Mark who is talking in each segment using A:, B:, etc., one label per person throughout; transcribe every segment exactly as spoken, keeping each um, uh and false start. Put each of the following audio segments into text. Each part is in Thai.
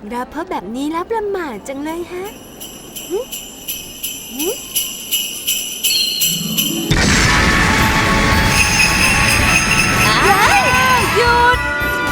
A: เราพบแบบนี้แล้วประหม่าจังเลยฮะหึหึหยุด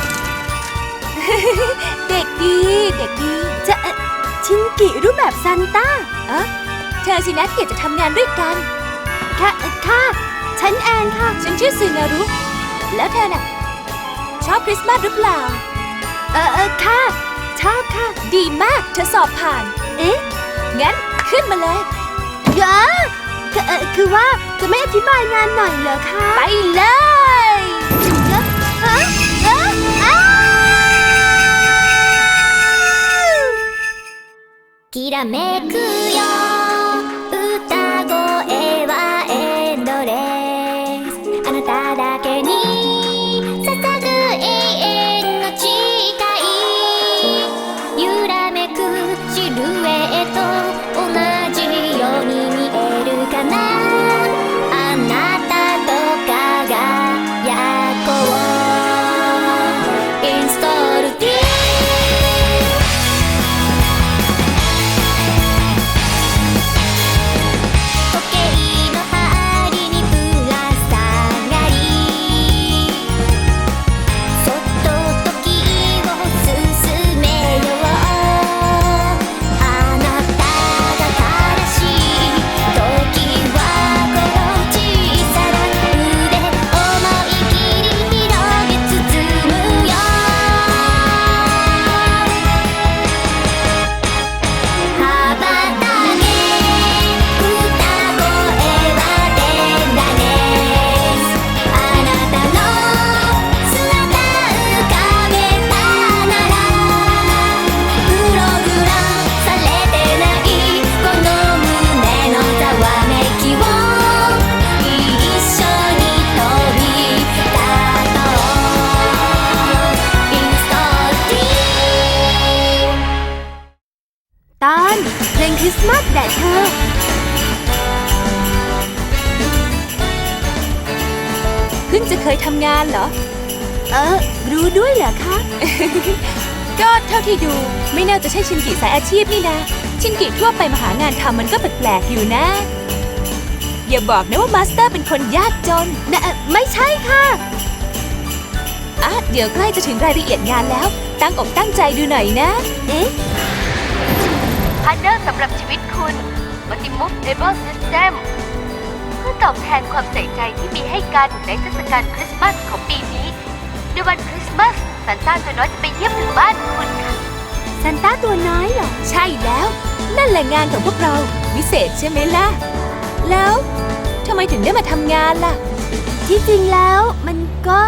A: เด็กดีเด็กดีจะเอ่อชินกิรูปแบบซานต้าเอ๊ะเธอสินะเกียรติจะทำงานด้วยกันค่ะเอ่อค่ะฉันแอนค่ะฉันชื่อซึนารุแล้วเธอน่ะชอบคริสต์มาสหรือเปล่าเออเออค่ะชอบค่ะดีมากเธอสอบผ่านเอ๊ะงั้นขึ้นมาเลยเยอะคือเออคือว่าจะไม่อธิบายงานหน่อยเหรอคะไปเลยเยอะฮะเยอะอ้า
B: きらめくよ歌声はエンドレスあなただけに捧ぐ永遠の誓い揺らめくシルエット同じように見えるかなあなたと輝こうインストールティー
A: ตอนเพลงคริสต์มาสแด่เธอเพิ่งจะเคยทำงานเหรอเออรู้ด้วยเหรอคะ ก็เท่าที่ดูไม่น่าจะใช่ชินกิสายอาชีพนี่นะชินกิทั่วไปมาหางานทำมันก็แปลกๆอยู่นะอย่าบอกนะว่ามาสเตอร์เป็นคนยากจนนะไม่ใช่ค่ะอ่ะเดี๋ยวใกล้จะถึงรายละเอียดงานแล้วตั้งอกตั้งใจดูหน่อยนะเอ๊ะพาร์ทเนอร์สำหรับชีวิตคุณ Multi-Move-Able System เพื่อตอบแทนความใส่ใจที่มีให้กันในเทศกาลคริสต์มาสของปีนี้ในวันคริสต์มาสซานต้าตัวน้อยจะไปเยี่ยมถึงบ้านคุณค่ะซานต้าตัวน้อยเหรอใช่แล้วนั่นแหละงานของพวกเราวิเศษใช่ไหมล่ะแล้วทำไมถึงได้มาทำงานล่ะที่จริงแล้วมันก็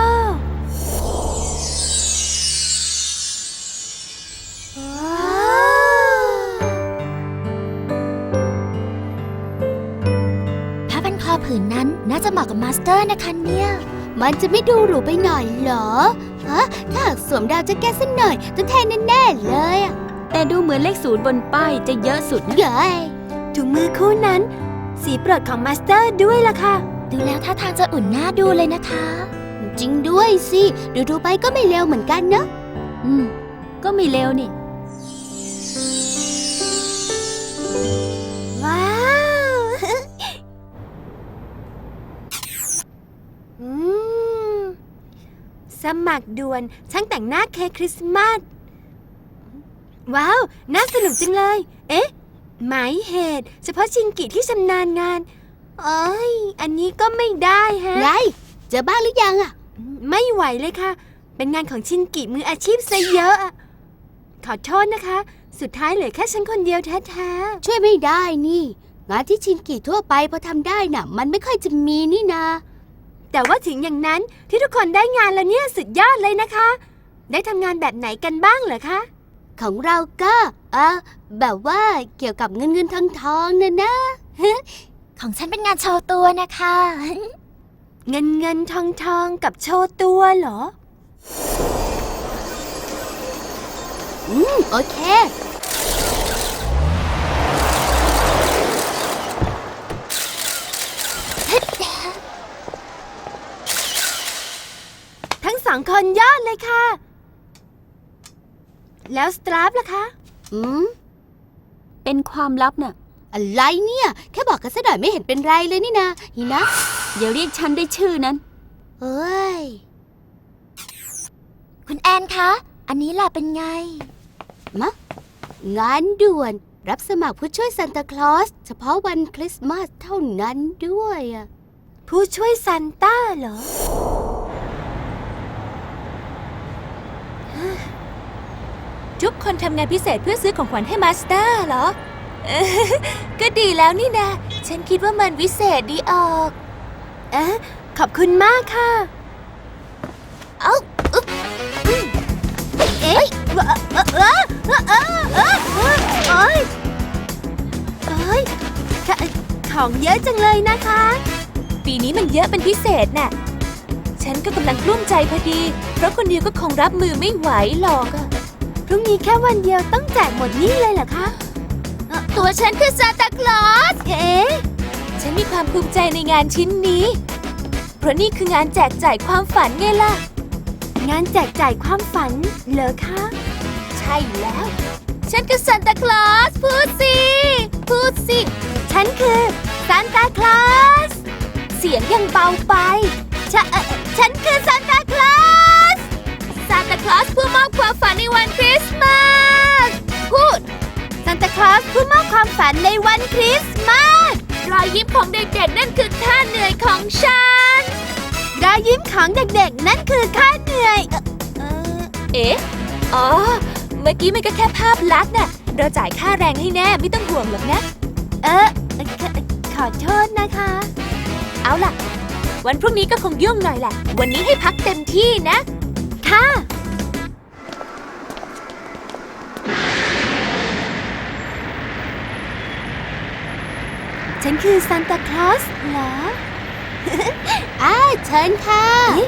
B: ผืนนั้นน่าจะเหมาะกับมาสเตอร์นะคะเนี่ย
C: มันจะไม่ดูหรูไปหน่อยเหรอฮะถ้าหากสวมดาวแจ็คเก็ตสักหน่อยจะแทนแน่ๆเลยอะ
A: แต่ดูเหมือนเลขศูนย์บนป้ายจะเยอะสุด
C: เย้ย
A: ถุงมือคู่นั้นสีโปรดของมาสเตอร์ด้วยล่ะค่ะ
B: ดูแล้วท่าทางจะอุ่นหน้าดูเลยนะคะ
C: จริงด้วยสิดูดูไปก็ไม่เลวเหมือนกันเนอะ
A: อืมก็ไม่เลวนี่ว้าวอืมสมัครด่วนช่างแต่งหน้าเค้กคริสต์มาสว้าวน่าสนุกจังเลยเอ๊ะหมายเหตุเฉพาะชินกิที่ชำนาญงานเอ้ยอันนี้ก็ไม่ได้ฮะ
C: ไรเจอบ้างหรือยังอะ
A: ไม่ไหวเลยค่ะเป็นงานของชินกิมืออาชีพซะเยอะขอโทษนะคะสุดท้ายเหลือแค่ฉันคนเดียวแท้
C: ๆช่วยไม่ได้นี่งานที่ชินกิทั่วไปพอทำได้น่ะมันไม่ค่อยจะมีนี่นา
A: แต่ว่าถึงอย่างนั้นที่ทุกคนได้งานแล้วเนี่ยสุดยอดเลยนะคะได้ทำงานแบบไหนกันบ้างเหรอคะ
C: ของเราก็เออแบบว่าเกี่ยวกับเงินเงินทองทองนะนะ
B: ของฉันเป็นงานโชว์ตัวนะคะ
A: เงินเงินทองทองกับโชว์ตัวเหรอ
C: อืมโอเค
A: ทั้งสองคนยอดเลยค่ะแล้วสตราฟล่ะคะ
C: อืม
A: เป็นความลับน่ะ
C: อะไรเนี่ย แค่บอกกันซะหน่อยไม่เห็นเป็นไรเลยนี่นะฮินะ
A: อย่าเรียกฉันได้ชื่อนั้น
C: เอ้ย
B: คุณแอนคะ อันนี้ล่ะเป็นไง
C: มะ งานด่วน รับสมัครผู้ช่วยซานตาคลอสเฉพาะวันคริสต์มาสเท่านั้นด้วยอะ
A: ผู้ช่วยซานต้าเหรอ ทุกคนทำงานพิเศษเพื่อซื้อของขวัญให้มาสเตอร์เหรอ เออก็ดีแล้วนี่นะ ฉันคิดว่ามันวิเศษดีออกเอะขอบคุณมากค่ะ เอ้าอึ๊บอืมเอ๊ะเออเออเออเออเออเออเอ้ยเอ้ยขของเยอะจังเลยนะคะ ปีนี้มันเยอะเป็นพิเศษน่ะ ฉันก็กำลังกลุ้มใจพอดี เพราะคนเดียวก็คงรับมือไม่ไหวหรอกอะพรุ่งนี้แค่วันเดียวต้องแจกหมดนี่เลยเหรอคะเอ่อตัวฉันคือซานตาคลอสเอ๊ะฉันมีความภูมิใจในงานชิ้นนี้ เพราะนี่คืองานแจกจ่ายความฝันไงล่ะ งานแจกจ่ายความฝันเหรอคะ ใช่แล้ว ฉันคือซานตาคลอสพูดสิ พูดสิ ฉันคือซานตาคลอส เสียงยังเบาไปฉะเอ่อฉันคือซานตาคลอส ซานตาคลอสผู้มอบความฝันในวันคริสต์มาส พูด ซานตาคลอสผู้มอบความฝันในวันคริสต์มาส รอยยิ้มของเด็กๆนั่นคือค่าเหนื่อยของฉัน รอยยิ้มของเด็กๆนั่นคือค่าเหนื่อย เอ่อเอ๊ะ อ๋อ เมื่อกี้มันก็แค่ภาพลักษณ์น่ะ เราจ่ายค่าแรงให้แน่ไม่ต้องห่วงหรอกนะ เออขอขอโทษนะคะ เอาล่ะ วันพรุ่งนี้ก็คงยุ่งหน่อยแหละ วันนี้ให้พักเต็มที่นะ ค่ะ ฉันคือซานตาคลอสเหรอ
C: อ้าเชิญค่ะ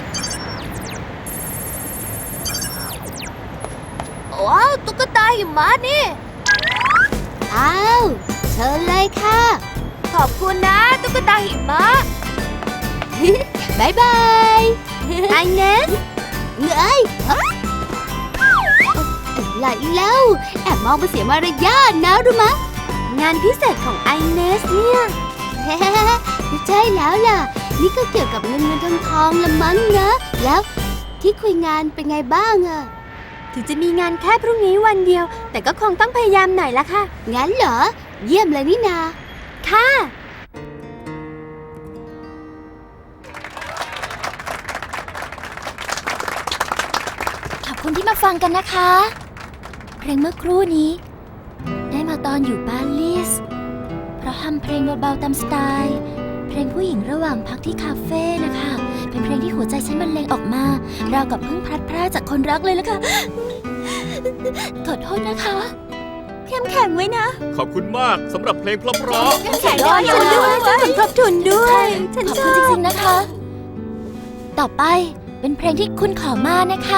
A: ว้าว ตุ๊กตาหิมะนี่
C: อ้าว เชิญเลยค่ะ
A: ขอบคุณนะ ตุ๊กตาหิมะ
C: บายบาย
A: ไอเนส
C: เงยอะไรเล่าแอบมองมาเสียมารยาทนะรู้มะ
A: งานพิเศษของไอเนสเนี่ย
C: ใช่แล้วล่ะ นี่ก็เกี่ยวกับเงินเงินทองทองละมั้งนะ แล้วที่คุยงานเป็นไงบ้างอะ
A: ถึงจะมีงานแค่พรุ่งนี้วันเดียว แต่ก็คงต้องพยายามหน่อยละค่ะ
C: งั้นเหรอ เยี่ยมเลยนี่นา
A: ค่ะ
B: ขอบคุณที่มาฟังกันนะคะ เพลงเมื่อครู่นี้ ได้มาตอนอยู่ปารีสเพราะทำเพลงเบาๆตามสไตล์ เพลงผู้หญิงระหว่างพักที่คาเฟ่นะคะ เป็นเพลงที่หัวใจฉันบรรเลงออกมาราวกับเพิ่งพลัดพรากจากคนรักเลยละค่ะ ขอโทษนะคะ
A: เข้มแข็งไว้นะ
D: ขอบคุณมากสำหรับเพลงเพราะ
A: เข้มแข็งด้วยฉันด้วยฉันสมทบทุนด้วย ฉัน
B: ขอบ
A: ช
B: คุ
A: อ
B: ณจ
A: บ
B: ริงๆนะคะ ต่อไปเป็นเพลงที่คุณขอมานะคะ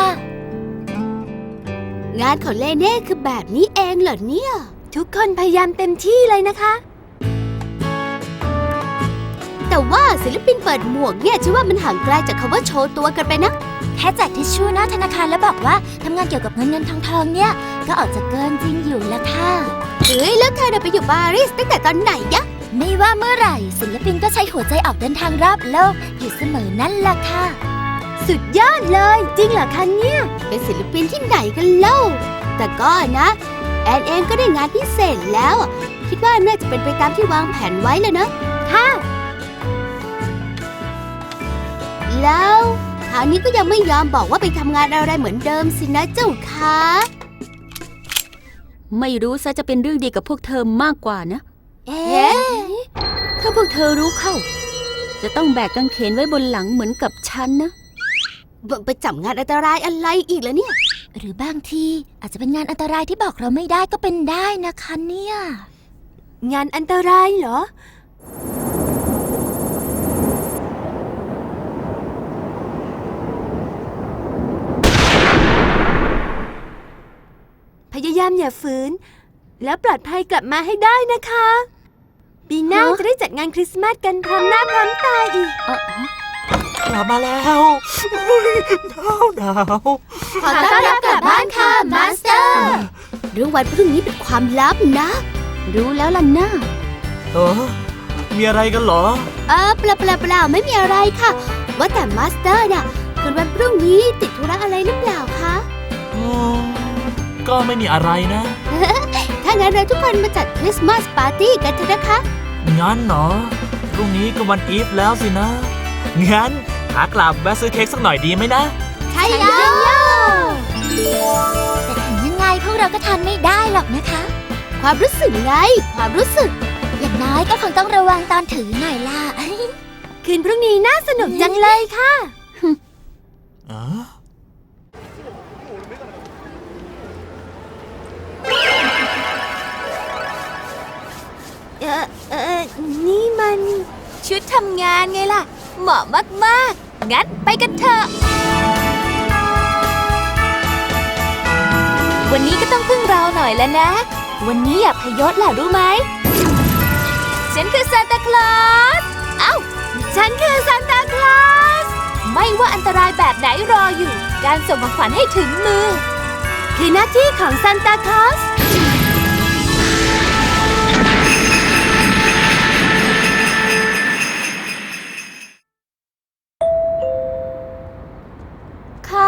C: งานของเลเน่คือแบบนี้เองเหรอเนี่ย
A: ทุกคนพยายามเต็มที่เลยนะคะ
C: แต่ว่าศิลปินเปิดหมวกเนี่ยฉันว่ามันห่างไกลจากคำว่าโชว์ตัวกันไปนะ
B: แค่แจกทิชชู่หน้าธนาคารแล้วบอกว่าทำงานเกี่ยวกับเงินเงินทองทองเนี่ย ก็ออกจะเกินจริงอยู่ละค่ะ
C: เอ้ยแล้วเธอน่ะไปอยู่ปารีสตั้งแต่ตอนไหนยะ
B: ไม่ว่าเมื่อไหร่ศิลปินก็ใช้หัวใจออกเดินทางรอบโลกอยู่เสมอนั่นล่ะค่ะ
A: สุดยอดเลย จริงเหรอคะเนี่ย
C: เป็นศิลปินที่ไหนกันเล่า แต่ก็นะ แอนเองก็ได้งานพิเศษแล้วอะคิดว่าน่าจะเป็นไปตามที่วางแผนไว้แล้วนะ
A: ค่ะ
C: แล้วคราวนี้ก็ยังไม่ยอมบอกว่าไปทำงานอะไรเหมือนเดิมสินะเจ้าคะ
E: ไม่รู้ซะจะเป็นเรื่องดีกับพวกเธอมากกว่านะ
C: เอ๊ะ
E: ถ้าพวกเธอรู้เข้า จะต้องแบกกางเขนไว้บนหลังเหมือนกับฉันนะ
C: ไปจับงานอันตรายอะไรอีกแล้วเนี่ย
B: หรือบางทีอาจจะเป็นงานอันตรายที่บอกเราไม่ได้ก็เป็นได้นะคะเนี่ย
A: งานอันตรายเหรอ พยายามอย่าฝืน แล้วปลอดภัยกลับมาให้ได้นะคะ ปีหน้า
E: ฮะ
A: จะได้จัดงานคริสต์มาสกันพร้อมหน้าพร้อมตาอีก
E: เอ่อก
D: ลับมาแล้วอุ๊ยหนาวหนาว
C: ขอต้อนรับกลับบ้านค่ะมาสเตอร์เรื่องวันพรุ่งนี้เป็นความลับนะ
E: รู้แล้วล่ะนะ
F: เออมีอะไรกันเหรอ
C: เออเปล่าเปล่าเปล่าไม่มีอะไรค่ะ ว่าแต่มาสเตอร์น่ะคืนวันพรุ่งนี้ติดธุระอะไรหรือเปล่าคะ
F: อืม ก็ไม่มีอะไรนะ
C: ถ้างั้นเราทุกคนมาจัดคริสต์มาสปาร์ตี้กันเถอะนะคะ
F: งั้นเหรอพรุ่งนี้ก็วันอีฟแล้วสินะ งั้นขากลับแวะซื้อเค้กสักหน่อยดีไหมนะ
C: ใช่แล้ว
B: แต่ถึงยังไงพวกเราก็ทานไม่ได้หรอกนะคะ
C: ความรู้สึกไง ความรู้สึก
B: อย่างน้อยก็คงต้องระวังตอนถือหน่อยล่ะ
C: คืนพรุ่งนี้น่าสนุกจังเลยค่ะ
F: เออ
C: เออเออนี่มัน
A: ชุดทำงานไงล่ะ เหมาะมากๆ งั้นไปกันเถอะ วันนี้ก็ต้องพึ่งเราหน่อยแล้วนะ วันนี้อย่าพยศล่ะรู้ไหม ฉันคือซานตาคลอส เอ้า ฉันคือซานตาคลอส ไม่ว่าอันตรายแบบไหนรออยู่ การส่งของขวัญให้ถึงมือ
C: คือหน้าที่ของซานตาคลอส ค่ะ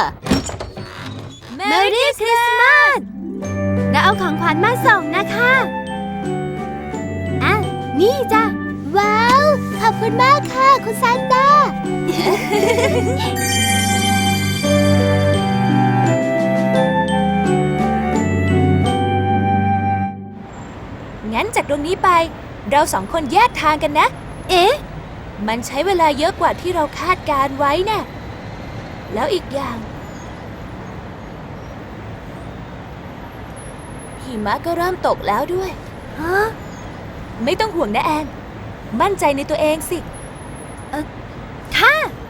A: Merry Christmas
C: เราเอาของขวัญมาส่งนะคะอ่ะนี่จ้ะ ว้าว ขอบคุณมากค่ะ คุณซานตา
A: งั้นจากตรงนี้ไป เราสองคนแยกทางกันนะ เอ๊ะ มันใช้เวลาเยอะกว่าที่เราคาดการไว้นะ่ะแล้วอีกอย่างหิมะก็เริ่มตกแล้วด้วย
C: ฮะ
A: ไม่ต้องห่วงนะแอน มั่นใจในตัวเองสิ
C: ค่ะ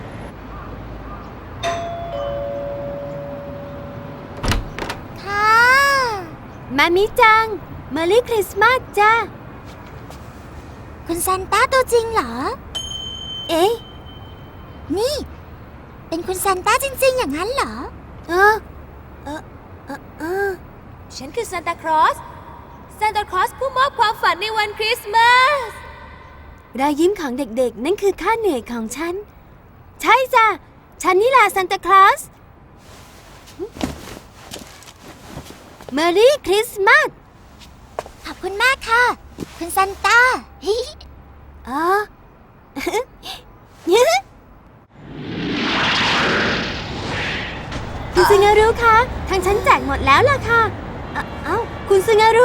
B: ค่ะ
C: มามิจัง เมอรี่คริสต์มาสจ้า
B: คุณซานต้าตัวจริงเหรอ
C: เอ๊ะ
B: นี่ เป็นคุณซานต้าจริงๆอย่างนั้นเหรอ
C: เออ เออ เออเออ
A: ฉันคือซานตาคลอส ซานตาคลอสผู้มอบความฝันในวันคริสต์มาส
C: รอยยิ้มของเด็กๆ นั่นคือค่าเหนื่อยของฉัน ใช่จ้ะ ฉันนี่แหละซานตาคลอส เมอรี่คริสต์มาส
B: ขอบคุณมากค่ะ คุณซานต้า
C: อ๋อ คุณซึงารุคะ ทางฉันแจกหมดแล้วล่ะค่ะ เอ้าเอ้าคุณซึงารุ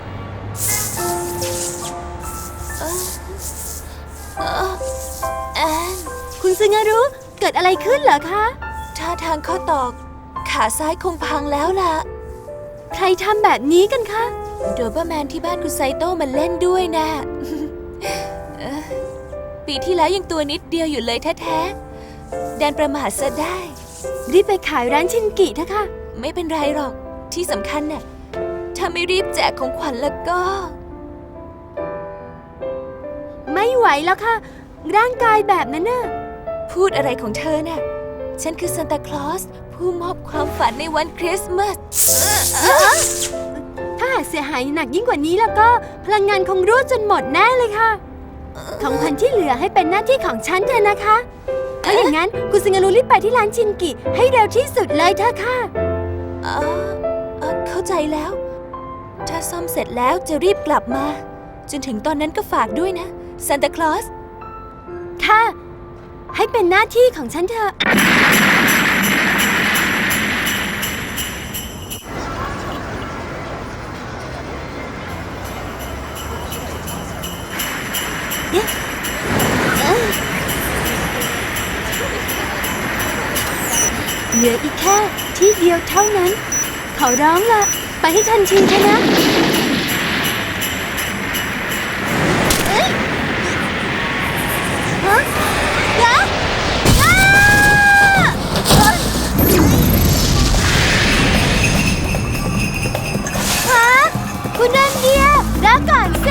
A: แอน
C: คุณซึงารุ เกิดอะไรขึ้นเหรอคะ
A: ท่าทางข้อตอก ขาซ้ายคงพังแล้วล่ะ
C: ใครทำแบบนี้กันคะ
A: โดเบอร์แมนที่บ้านคุณไซโต้มาเล่นด้วยนะ เอ่อปีที่แล้วยังตัวนิดเดียวอยู่เลยแท้ๆดันประมาทซะได้
C: รีบไปขายร้านชินกิเถอะค่ะ
A: ไม่เป็นไรหรอก ที่สำคัญน่ะ ถ้าไม่รีบแจกของขวัญแล้วก็
C: ไม่ไหวแล้วค่ะ ร่างกายแบบนั้นน่ะ
A: พูดอะไรของเธอน่ะ ฉันคือซานตาคลอส ผู้มอบความฝันในวันคริสต์มาส
C: ถ้าหากเสียหายหนักยิ่งกว่านี้แล้วก็พลังงานคงรั่วจนหมดแน่เลยค่ะ ของขวัญที่เหลือให้เป็นหน้าที่ของฉันเถอะนะคะถ้าอย่างนั้นคุณซึงารุรีบไปที่ร้านชินกิให้เร็วที่สุดเลยเถอะค่ะ
A: เออเออเข้าใจแล้ว ถ้าซ่อมเสร็จแล้วจะรีบกลับมา จนถึงตอนนั้นก็ฝากด้วยนะซานตาคลอส
C: ค่ะ ให้เป็นหน้าที่ของฉันเถอะ เหลืออีกแค่ที่เดียวเท่านั้น ขอร้องละไปให้ทันทีเถอะนะ ฮะเดี๋ยวอ้าฮะคุณนันเดียรอก่อนสิ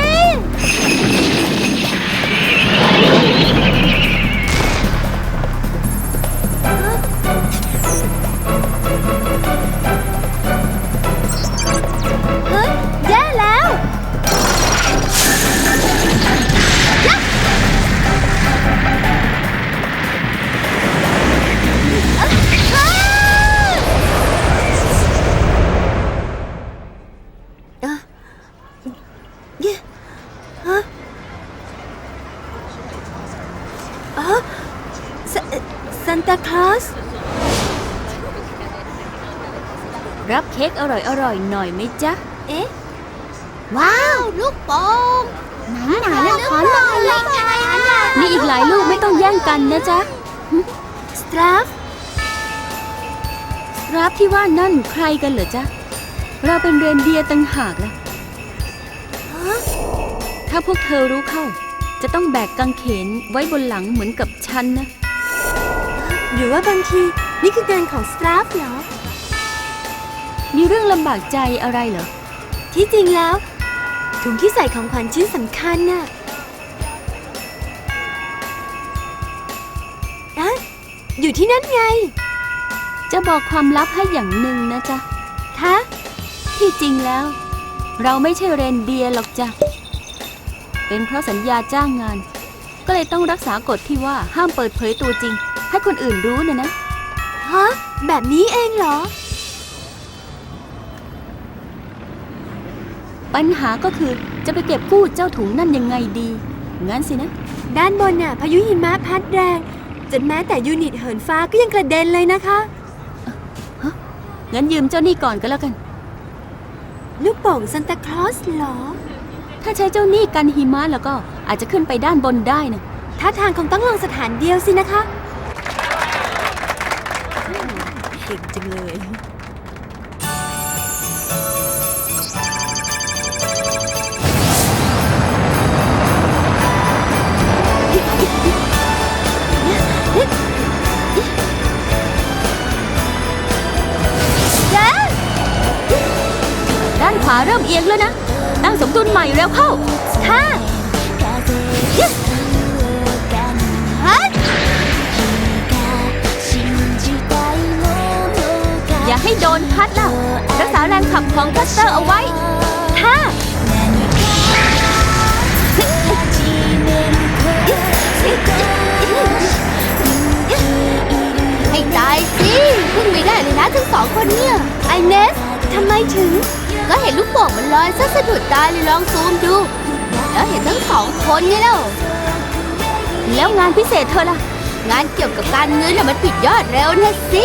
C: ฮะซันตาคลอส
E: รับเค้กอร่อยๆหน่อยไหมจ๊ะ
C: เอ๊ะ
B: ว้าว ลูกโป่งหนาหนาแล้วขอหน่อยเลยค่ะ
E: มีอีกหลายลูกไม่ต้องแย่งกันนะจ๊ะ
C: สตราฟ
E: รับที่ว่านั่นใครกันเหรอจ๊ะ เราเป็นเรนเดียร์ต่างหากล่ะถ้าพวกเธอรู้เข้า จะต้องแบกกางเขนไว้บนหลังเหมือนกับฉันนะ
C: หรือว่าบางทีนี่คืองานของสตราฟเหรอ
E: มีเรื่องลำบากใจอะไรเหรอ
C: ที่จริงแล้ว ถุงที่ใส่ของขวัญชิ้นสำคัญน่ะอะอยู่ที่นั่นไง
E: จะบอกความลับให้อย่างหนึ่งนะจ๊ะ
C: คะ
E: ที่จริงแล้ว เราไม่ใช่เรนเดียร์หรอกจ้ะ เป็นเพราะสัญญาจ้างงาน ก็เลยต้องรักษากฎที่ว่าห้ามเปิดเผยตัวจริง ให้คนอื่นรู้นะนะ
C: ฮะ แบบนี้เองเหรอ
E: ปัญหาก็คือจะไปเก็บกู้เจ้าถุงนั่นยังไงดี งั้นสินะ
C: ด้านบนน่ะพายุหิมะพัดแรง จนแม้แต่ยูนิตเหินฟ้าก็ยังกระเด็นเลยนะคะ
E: งั้นยืมเจ้านี่ก่อนก็แล้วกัน
C: ลูกโป่งซันตาคลอสเหรอ
E: ถ้าใช้เจ้านี่กันหิมะแล้วก็อาจจะขึ้นไปด้านบนได้นะ
C: ท่าทางคงต้องลองสถานเดียวสินะคะเก่งจังเลย
E: ด้านขวาเริ่มเอียงแล้วนะ ตั้งสมดุลใหม่เร็วเข้า
C: ค่ะฮัท
E: อย่าให้โดนพัดล่ะ รักษาแรงขับของคัสเตอร์เอาไว้
C: ค่ะ
B: ให้ตายสิพึ่งไม่ได้เลยนะทั้งสองคนเนี่ย
C: ไอเนสทำไมถึง
B: ก็เห็นลูกโป่งมันลอยซะสะดุดตาเลยลองซูมดู แล้วเห็นทั้งสองคนไงเล่า
E: แล้วงานพิเศษเธอล่ะ
B: งานเกี่ยวกับการเงินน่ะมันปิดยอดเร็วนะสิ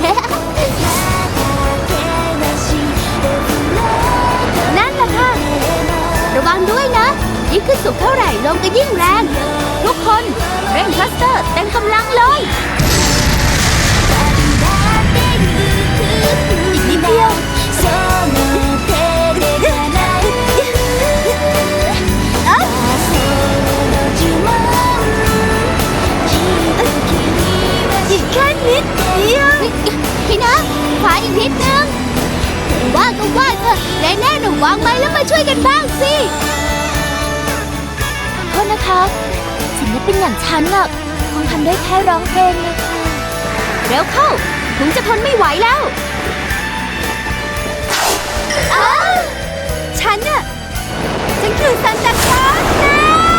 C: นั่นแหละค่ะ
B: ระวังด้วยนะ ยิ่งขึ้นสูงเท่าไหร่ลมก็ยิ่งแรง
E: ทุกคนเร่งคัสเตอร์เต็มกำลังเลย
C: อีกนิดเดียว อีกแค่นิดเดียว
B: พี่นะขวาอีกนิดนึง ว่าก็ว่าเถอะแน่แน่หนูวางไว้แล้วมาช่วยกันบ้างสิ
C: โทษนะคะศิลปินอย่างฉันน่ะคงทำได้แค่ร้องเพลงนะคะ
E: เร็วเข้าถุงจะทนไม่ไหวแล้ว
C: อ้าวฉันน่ะฉันคือซันตาคลอสนะ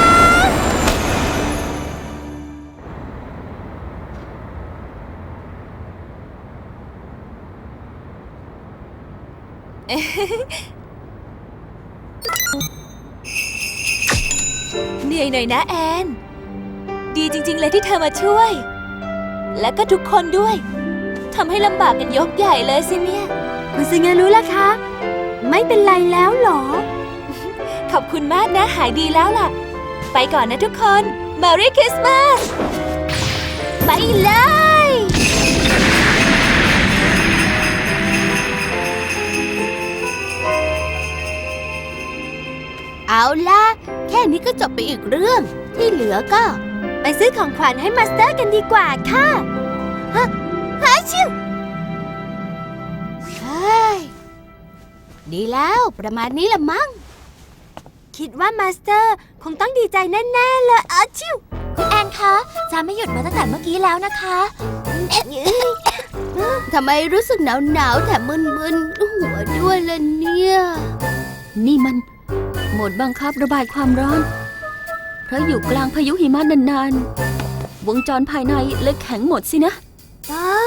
A: เหนื่อยหน่อยนะแอน ดีจริงๆเลยที่เธอมาช่วย และก็ทุกคนด้วยทำให้ลำบากกันยกใหญ่เลยสิเนี่ย
C: คุณซึงารู้ล่ะคะ ไม่เป็นไรแล้วเหรอ
A: ขอบคุณมากนะหายดีแล้วล่ะ ไปก่อนนะทุกคน Merry Christmas ไปเลย
B: เอาล่ะ แค่นี้ก็จบไปอีกเรื่อง ที่เหลือก็
C: ไปซื้อของขวัญให้มาสเตอร์กันดีกว่าค่ะฮะฮะชิว
B: เฮ้ย ดีแล้วประมาณนี้ละมั้ง
C: คิดว่ามาสเตอร์คงต้องดีใจแน่ๆเลยอาชิว
B: คุณแอนคะจะไม่หยุดมาตั้งแต่เมื่อกี้แล้วนะคะทำไมรู้สึกหนาวหนาวๆแถมมึนๆหัวด้วยล่ะเนี่ย
E: นี่มันโหมดบังคับระบายความร้อน เพราะอยู่กลางพายุหิมะนานๆ วงจรภายในเลยแข็งหมดสินะ
C: อ๋อ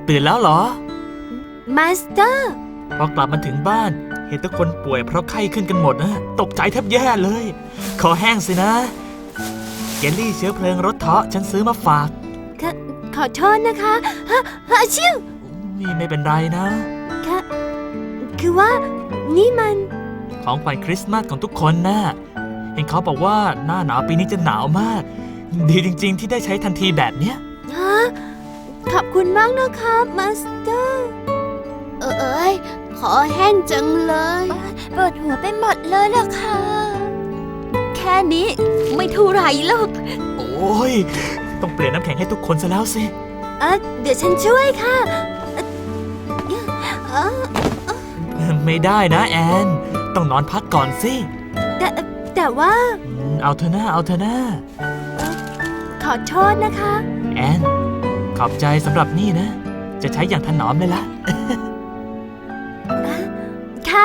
F: ตื่นแล้วเหรอ
C: มาสเตอร์
F: พอกลับมาถึงบ้าน เห็นทุกคนป่วยเพราะไข้ขึ้นกันหมดนะ ตกใจแทบแย่เลย คอแห้งสินะ เยลลี่เชื้อเพลิงรสเทาะฉันซื้อมาฝาก
C: ขอขอโทษนะคะฮะฮะชิว
F: นี่ไม่เป็นไรนะ
C: ค่ะ คือว่า นี่มัน
F: ของขวัญคริสต์มาสของทุกคนนะ เห็นเขาบอกว่าหน้าหนาวปีนี้จะหนาวมาก ดีจริง ๆ ที่ได้ใช้ทันทีแบบเนี้ย
C: ฮะ ขอบคุณมากนะคะมาสเตอร์ เออเอ้ย ขอแห้งจังเลยปวดหัวไปหมดเลยล่ะค่ะ
E: แค่นี้ไม่เท่าไหร่หรอก
F: โอ้ย ต้องเปลี่ยนน้ำแข็งให้ทุกคนซะแล้วสิ
C: เออเดี๋ยวฉันช่วยค่ะเอ่อเอ่อ
F: ไม่ได้นะแอน ต้องนอนพักก่อนสิ
C: แต่แต่ว่า
F: อืมเอาเธอหน้าเอาเธอหน้า
C: ขอโทษนะคะ
F: แอน ขอบใจสำหรับนี่นะ จะใช้อย่างถนอมเลยละ
C: ค่ะ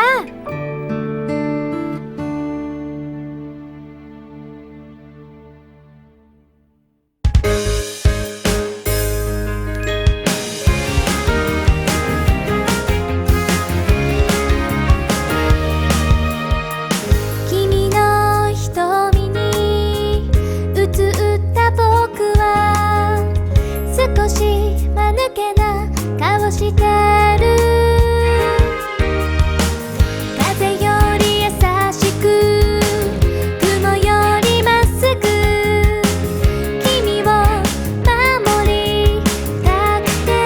B: 君の瞳に映った僕は少し間抜けな顔してる風より優しく雲よりまっすぐ君を守りたくて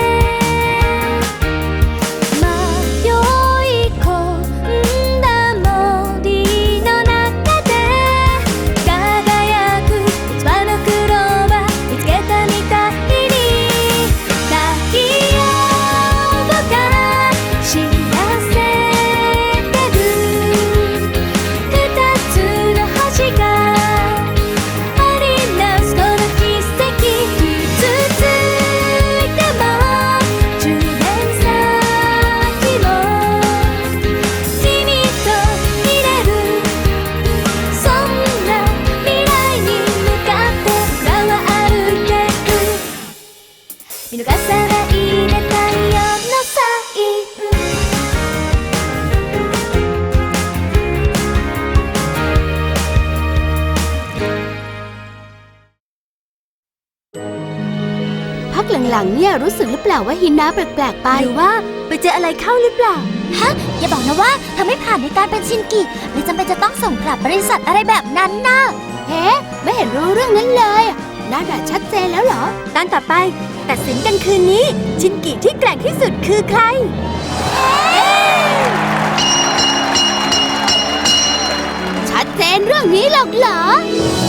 B: 迷い込んだ森の中で輝く器のクローバー見つけたみたいに太陽が知らせてる二つの星が織りなすこの奇跡傷ついてもじゅうねん先も君といれるそんな未来に向かって僕らは歩いてる見逃さないで太陽のサイン
C: พักหลังๆเนี่ยรู้สึกหรือเปล่าว่าฮินาแปลกๆไปหรือว่าไปเจออะไรเข้าหรือเปล่า
B: ฮะ อย่าบอกนะว่าเธอไม่ผ่านในการเป็นชินกิเลยจำเป็นจะต้องส่งกลับบริษัทอะไรแบบนั้นนะ
C: เฮ้ไม่เห็นรู้เรื่องนั้นเลยน่าจะชัดเจนแล้วเหรอตอนต่อไป ตัดสินกันคืนนี้ ชินกิที่แกร่งที่สุดคือใคร ชัดเจนเรื่องนี้หรอกเหรอ